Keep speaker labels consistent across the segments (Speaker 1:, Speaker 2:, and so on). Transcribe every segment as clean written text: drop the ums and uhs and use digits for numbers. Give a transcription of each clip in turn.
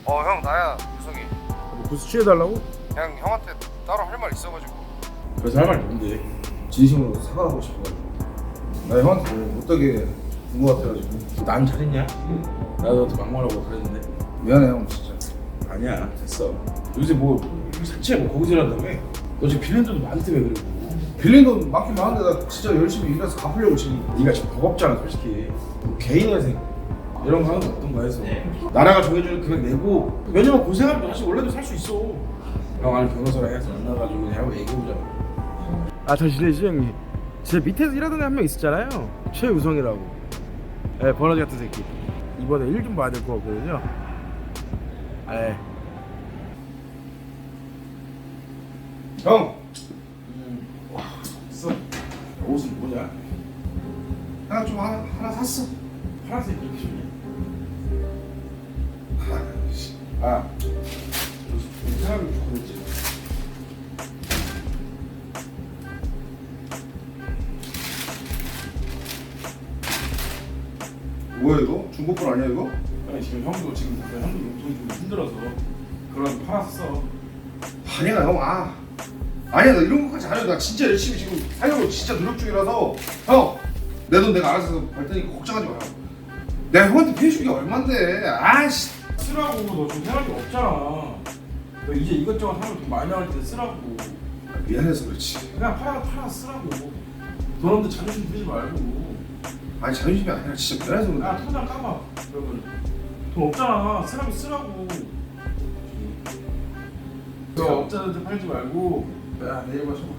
Speaker 1: 형 나야 유성이.
Speaker 2: 뭐 구스 취해달라고?
Speaker 1: 그냥 형한테 따로 할 말 있어가지고.
Speaker 2: 그래서 할 말이 뭔데?
Speaker 3: 진심으로 사과하고 싶어가지고 나 형한테 못되게 군 것 같아가지고.
Speaker 2: 난 잘했냐? 나도 너한테 막말하고 그랬는데.
Speaker 3: 미안해 형 진짜.
Speaker 2: 아니야 됐어. 요새 뭐 산책 뭐 거기서 일한다며? 너 지금 빌린 돈도 많다며. 그리고
Speaker 3: 빌린 돈 많긴 많은데 나 진짜 열심히 일해서 갚으려고 지금.
Speaker 2: 네가 지금 버겁잖아 솔직히. 개인 회생 이런 거 하는 거 어떤가 해서 나라가 정해주는 금액 내고 몇 년만 고생하면 다시 원래도 살 수 있어. 형 아는 변호사랑 해서 만나가지고 그냥 하고 얘기해보자. 아 잘 지내시죠 형님? 진짜 밑에서 일하던 애 한 명 있었잖아요. 최우성이라고. 예, 버러지 같은 새끼. 이번에 일 좀 봐야 될 것 같거든요. 예.
Speaker 3: 형!
Speaker 2: 써. 옷은 뭐냐?
Speaker 3: 나 좀 하나 샀어.
Speaker 2: 파란색 이렇게 좋냐?
Speaker 3: 아이씨.
Speaker 2: 아, 사람이 좋거든지.
Speaker 3: 뭐야 이거? 중고폰 아니야 이거?
Speaker 2: 아니 지금 형도 용돈이 좀 힘들어서 그런 팔았어.
Speaker 3: 아니야 형. 아니야 나 이런 것까지 안 해도 나 진짜 열심히 지금 살려고 진짜 노력 중이라서. 형! 내 돈 내가 알아서 벌 테니까 걱정하지 마요. 내가 형한테 피해주기가 얼만데. 아이씨.
Speaker 2: 쓰라고. 너 지금 생활이 없잖아. 너 이제 이것저것 하면 돈 많이 나올 때 쓰라고.
Speaker 3: 미안해서 그렇지.
Speaker 2: 그냥 팔아 쓰라고. 돈 없는데 자존심 부리지 말고.
Speaker 3: 아니 자존심이 아니라 진짜 미안해서 그래.
Speaker 2: 야 통장 까봐. 그러면 돈 없잖아. 쓰라고. 너 업자들한테 팔지 말고. 야 네이버 쳐봐.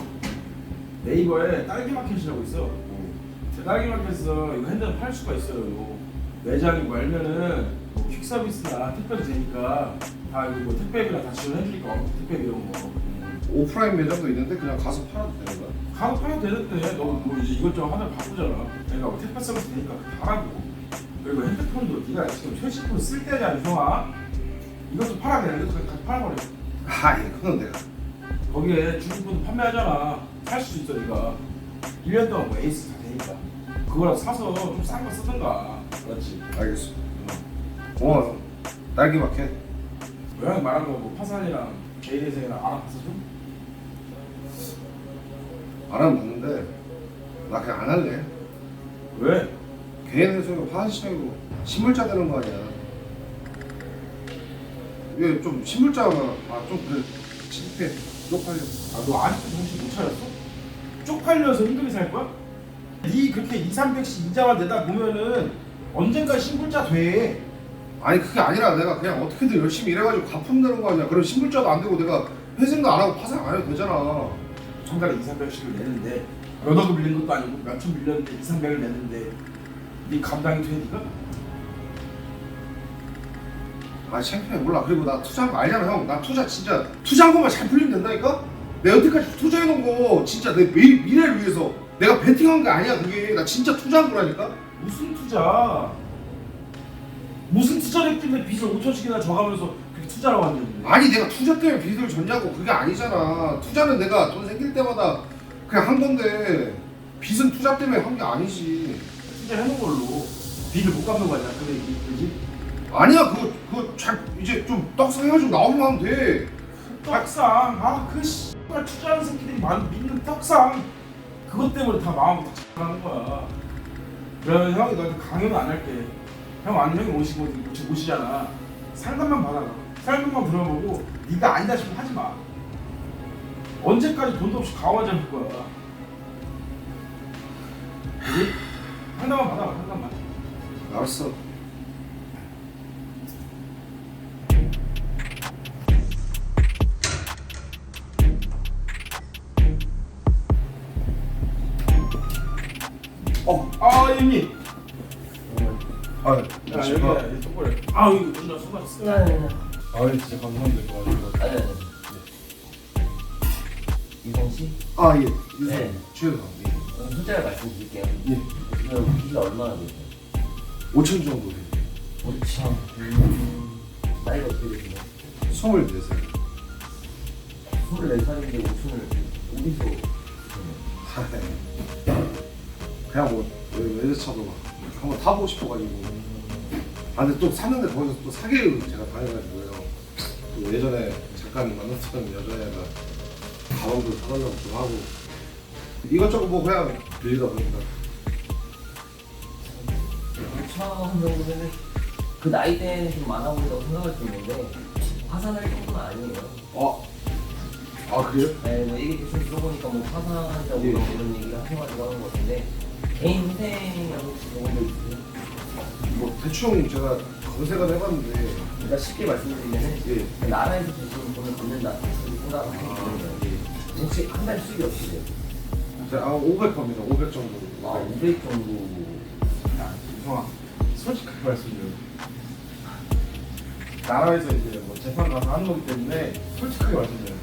Speaker 2: 네이버에 딸기 마켓이라고 있어. 딸기 마켓에서 이거 핸드폰 팔 수가 있어요. 매장이 말면은 뭐 퀵 서비스나 택배도 되니까 다 이거 뭐 택배비랑 다 지원해주니까 택배비 이런 거.
Speaker 3: 오프라인 매장도 있는데 그냥 가서 팔아도 되는 거야?
Speaker 2: 가서 팔아도 되는데 너 뭐 이제 이것저것 하다 바쁘잖아. 그러니까 뭐 택배 서비스 되니까 다 하고. 그리고 핸드폰도 네가 지금 최신폰 쓸 때냐 유성아. 이것도 팔아야 돼. 이것도 같이 팔아버려.
Speaker 3: 이거는 내가.
Speaker 2: 거기에 중고폰도 판매하잖아. 살 수도 있어 네가. 1년 동안 뭐 에이스 다 되니까. 그거라도 사서 좀 싼 거 쓰던가. 그렇지.
Speaker 3: 알겠어. 고마워. 딸기 마켓.
Speaker 2: 고양이 말한 거뭐 파산이랑 개인회생이랑 알아봤어 좀?
Speaker 3: 알아봤는데 나 그냥 안 할래.
Speaker 2: 왜?
Speaker 3: 개인 회사가 파산 시장이고 신물자 되는 거 아니야. 이게 좀 신물자가 좀 그래. 창피해. 쪽팔려.
Speaker 2: 너 아직도 정신 못 차렸어? 쪽팔려서 힘들게 살 거야? 네 그렇게 2, 300씩 이자만 내다 보면은 언젠가 신불자 돼.
Speaker 3: 아니 그게 아니라 내가 그냥 어떻게든 열심히 일해가지고 갚으면 되는 거 아니야. 그럼 신물자도 안 되고 내가 회생도 안 하고 파산 안 해도 되잖아.
Speaker 2: 한 달에 2, 300씩을 내는데 몇 억을 빌린 것도 아니고 몇천 빌렸는데 2, 300을 내는데 네 감당이 돼 니가?
Speaker 3: 창피해. 몰라. 그리고 나 투자한 거 알잖아 형. 나 진짜 투자한 것만 잘 풀리면 된다니까? 내가 여태까지 투자해놓은 거 진짜 내 미래를 위해서 내가 베팅한 게 아니야 그게. 나 진짜 투자한 거라니까?
Speaker 2: 무슨 투자? 무슨 투자를 했길래 빚을 5천씩이나 져가면서 그렇게 투자라고 하는데.
Speaker 3: 아니 내가 투자 때문에 빚을 졌냐고. 그게 아니잖아. 투자는 내가 돈 생길 때마다 그냥 한 건데 빚은 투자 때문에 한 게 아니지.
Speaker 2: 투자해놓은 걸로 빚을 못 갚는 거 아니야 그 얘기 그지?
Speaker 3: 아니야 그거 잘 이제 좀 떡상 해가지고 나오면 하면 돼.
Speaker 2: 떡상 그 씨발 투자하는 새끼들이 믿는 떡상 그것 때문에 다 마음이 다 X하는 거야. 그러면 형이 너한테 강요는 안 할게. 형 아니면 형이 오시잖아. 상담만 받아라. 설명만 들어보고 네가 아니다 싶으면 하지 마. 언제까지 돈도 없이 가와 잡을 거야. 그지? 상담만 받아라. 상담만.
Speaker 3: 알았어.
Speaker 2: 형님.
Speaker 3: 여기가
Speaker 2: 똑바로. 이거 진짜 수고하셨어요.
Speaker 3: 진짜 감사합니다.
Speaker 4: 아니. 유성 씨?
Speaker 3: 예.
Speaker 4: 네.
Speaker 3: 최근
Speaker 4: 숫자를 말씀드릴게요.
Speaker 3: 예.
Speaker 4: 지금 기가 얼마나 되세요?
Speaker 3: 5천 정도 돼요.
Speaker 4: 5천. 나이가 어떻게 되세요?
Speaker 3: 24살.
Speaker 4: 24살인데 5천을 어디서
Speaker 3: 그냥 뭐 외제차도 막 한번 타보고 싶어가지고. 아 근데 또 샀는데 거기서 또 사기를 제가 당해가지고요. 또 예전에 잠깐 만났던 여자애가 가방도 사달라고 좀 하고 이것저것 뭐 그냥 빌리다 보니까
Speaker 4: 처음 정도면은 그 나이 때는 좀 많아 보인다고 생각할 수 있는데 화산할 정도는 아니에요.
Speaker 3: 아 그래요?
Speaker 4: 네, 뭐 얘기 대충 들어보니까 뭐 화산한다고
Speaker 3: 예.
Speaker 4: 이런 얘기를 하셔가지고 하는 것 같은데 개인 희생이라고 혹시 그런 거 있으세요?
Speaker 3: 뭐 대충 제가 검색을 해봤는데
Speaker 4: 그러니까 쉽게 말씀드리면은
Speaker 3: 예.
Speaker 4: 나라에서 주시는 돈을 받는다 그렇게 생각하시면 되는 거예요. 혹시 한 달 수익이 어떻게 돼요?
Speaker 3: 제가 500겁니다. 500 정도.
Speaker 4: 아, 500 정도.
Speaker 2: 야, 유성아, 솔직하게 말씀드려. 나라에서 이제 뭐 재판 가서 하는 거기 때문에 솔직하게 말씀드려요.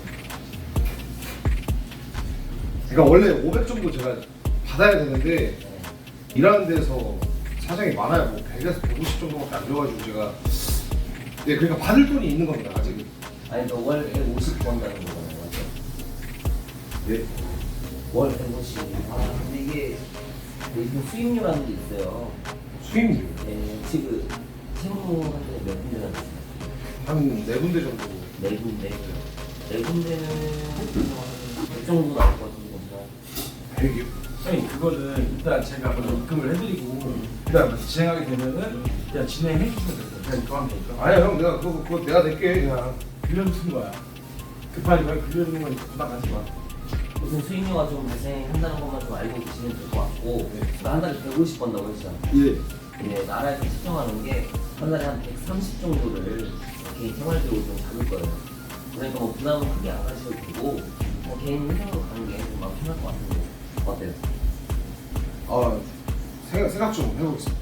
Speaker 3: 그러니까 원래 500 정도 제가 받아야 되는데 일하는 데서 사정이 많아요. 뭐 100에서 150 정도밖에 안 줘가지고 제가 네 그러니까 받을 돈이 있는 겁니다. 아직은.
Speaker 4: 아니, 월 150 번다는 거잖아요. 맞죠?
Speaker 3: 네.
Speaker 4: 월 150. 아, 근데 이게 요즘 수익료라는 게 있어요.
Speaker 3: 수익률
Speaker 4: 네, 지금 채무한테 몇 군데나 되세요?
Speaker 3: 한 4군데 정도.
Speaker 4: 네 군데. 네 군데는 한 100 정도 나올 것 같은데, 괜찮아요?
Speaker 3: 100이요?
Speaker 2: 형님 그거는 일단 제가 먼저 입금을 해드리고 그다음 진행하게 되면은 그냥 진행해 주시면 돼요. 그냥 입금하면 되니까.
Speaker 3: 아니야 형 내가 그거 내가 낼게 그냥.
Speaker 2: 빌려주는 거야. 급하니까 빌려주는 건 부담하지 마.
Speaker 4: 무슨 수익료가 좀 발생한다는 것만 좀 알고 계시면 될 것 같고, 한 달에 150 번다고 했잖아요.
Speaker 3: 예.
Speaker 4: 네, 나라에서 측정하는 게 한 달에 한 130 정도를 개인 생활비로 좀 잡을 거예요. 그러니까 뭐 부담은 크게 안 가셔도 되고, 개인 회사로 가는 게 좀 마음 편할 것 같은데 어때요?
Speaker 3: 아 생각 좀 해보겠습니다.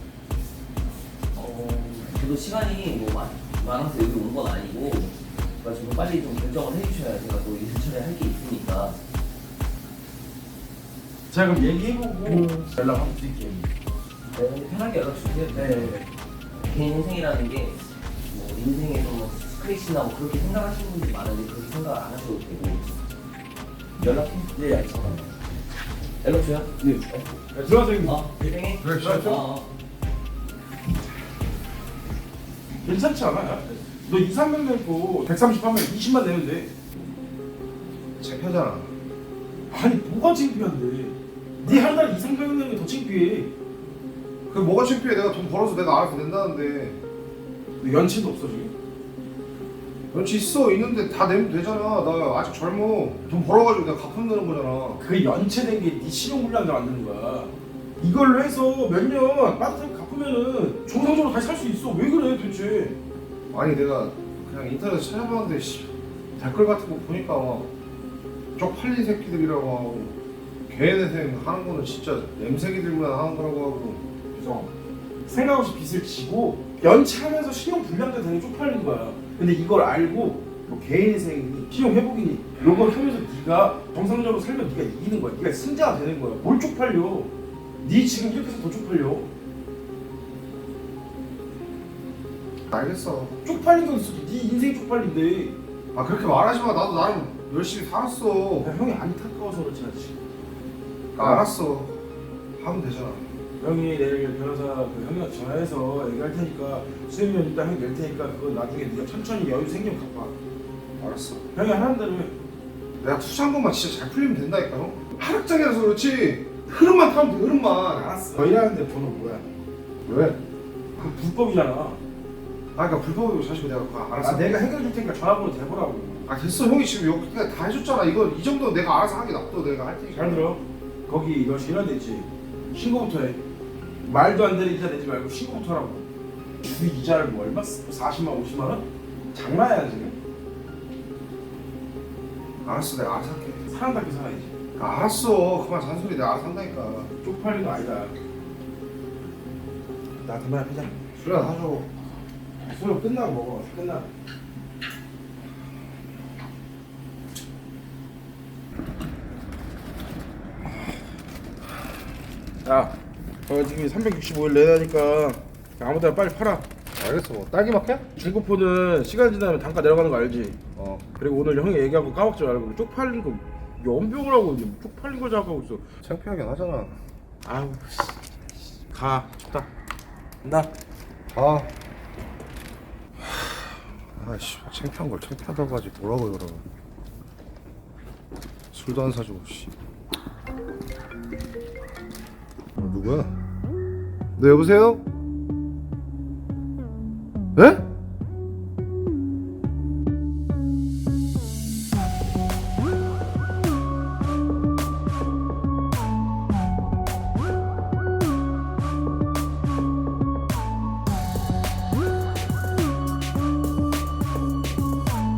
Speaker 4: 저도 시간이 뭐 많아서 여기 온 건 아니고, 그러니까 좀 빨리 좀 결정을 해주셔야 제가 또 일처리 할 게 있으니까.
Speaker 2: 제가 그럼 얘기해보고 연락 한번 드릴게요.
Speaker 4: 네, 근데 편하게 연락 주세요.
Speaker 2: 네.
Speaker 4: 개인 인생이라는 게 뭐 인생에서 뭐 스크래치나 뭐 그렇게 생각하시는 분들이 많은데 그렇게 생각 안 하셔도 되고 연락해.
Speaker 2: 예, 알겠습니다.
Speaker 4: 연락 줘요.
Speaker 2: 네. 들어가서 형님.
Speaker 4: 인생에.
Speaker 3: 그래,
Speaker 2: 들어가죠. 괜찮지 않아요? 너 2, 3명 내고 130하면 20만 내면 돼.
Speaker 3: 창피하잖아.
Speaker 2: 아니 뭐가 창피한데? 네 한 달에 2, 300명 내는 게 더 창피해.
Speaker 3: 그 뭐가 창피해? 내가 돈 벌어서 내가 알아서 낸다는데.
Speaker 2: 너 연체도 없어 지금?
Speaker 3: 연치 있어 있는데 다 내면 되잖아. 나 아직 젊어. 돈 벌어가지고 내가 갚으면 되는 거잖아.
Speaker 2: 그 연체된 게 네 신용불량을 만드는 거야. 이걸로 해서 몇 년 빠듯하게 갚으면은 정상적으로 다시 살 수 있어. 왜 그래 도대체?
Speaker 3: 아니 내가 그냥 인터넷 찾아봤는데 댓글 같은 거 보니까 막 쪽팔린 새끼들이라고 하고 개인회생 하는 거는 진짜 냄새기들만 하는 거라고 하고.
Speaker 2: 그래서 생각 없이 빚을 지고 연체하면서 신용불량자 되는 게 쪽팔린 거야. 근데 이걸 알고 뭐 개인회생이니 신용회복이니 이런 걸 하면서 네가 정상적으로 살면 네가 이기는 거야. 네가 승자가 되는 거야. 뭘 쪽팔려? 네 지금 이렇게 해서 더 쪽팔려.
Speaker 3: 알겠어.
Speaker 2: 쪽팔린 거 있어도 네 인생 쪽팔린데.
Speaker 3: 아 그렇게 말하지 마. 나도 나름 열심히 살았어.
Speaker 2: 그냥 형이 안타까워서 그렇지 않지.
Speaker 3: 알았어. 하면 되잖아.
Speaker 2: 형이 내일 변호사 그 형이랑 전화해서 얘기할 테니까 수익료 일단 형이 낼 테니까 그거 나중에 네가 천천히 여유 생기면 갚아.
Speaker 3: 알았어.
Speaker 2: 형이 하는 대로 해.
Speaker 3: 내가 투자한 것만 진짜 잘 풀리면 된다니까 형. 하락장이라서 그렇지. 흐름만 타면 돼. 흐름만.
Speaker 2: 알았어. 너 일하는데 번호 뭐야?
Speaker 3: 왜?
Speaker 2: 그 불법이잖아.
Speaker 3: 아 그러니까 불법이고 사실 내가 그거 알았어.
Speaker 2: 아 내가 해결해 줄 테니까 전화번호 대보라고.
Speaker 3: 아 됐어. 형이 지금 여기 그냥 다 해줬잖아. 이거 이 정도 내가 알아서 하게 놔둬. 내가 할 테니까.
Speaker 2: 잘 들어. 거기 너 일하는 데 있지. 신고부터 해. 말도 안 되는 이자 내지 말고 신고부터 하라고. 주 이자를 뭐 얼마? 40만 50만 원? 장난이야 지금.
Speaker 3: 알았어. 내가 알아서 할게.
Speaker 2: 사람답게 살아야지.
Speaker 3: 아, 알았어. 그만 잔소리 내가 알아서 한다니까.
Speaker 2: 쪽팔린 거 아니다. 나 그만 하자.
Speaker 3: 술이나 사줘.
Speaker 2: 수업 끝나고 먹어. 끝나. 야, 지금 365일 내다니까 아무데나 빨리 팔아.
Speaker 3: 알겠어. 뭐 딸기 마켓?
Speaker 2: 중고폰은 시간 지나면 단가 내려가는 거 알지?
Speaker 3: 어.
Speaker 2: 그리고 오늘 형이 얘기한 거 까먹지 말고 쪽팔린 거 연병을 하고 이제 쪽팔린 거 자극하고 있어.
Speaker 3: 창피하긴 하잖아.
Speaker 2: 아우 가 좋다. 나.
Speaker 3: 아. 아이씨 창피한 걸 창피하다고 하지 뭐라고 그러면. 술도 안 사주고 씨. 누구야? 네 여보세요? 네?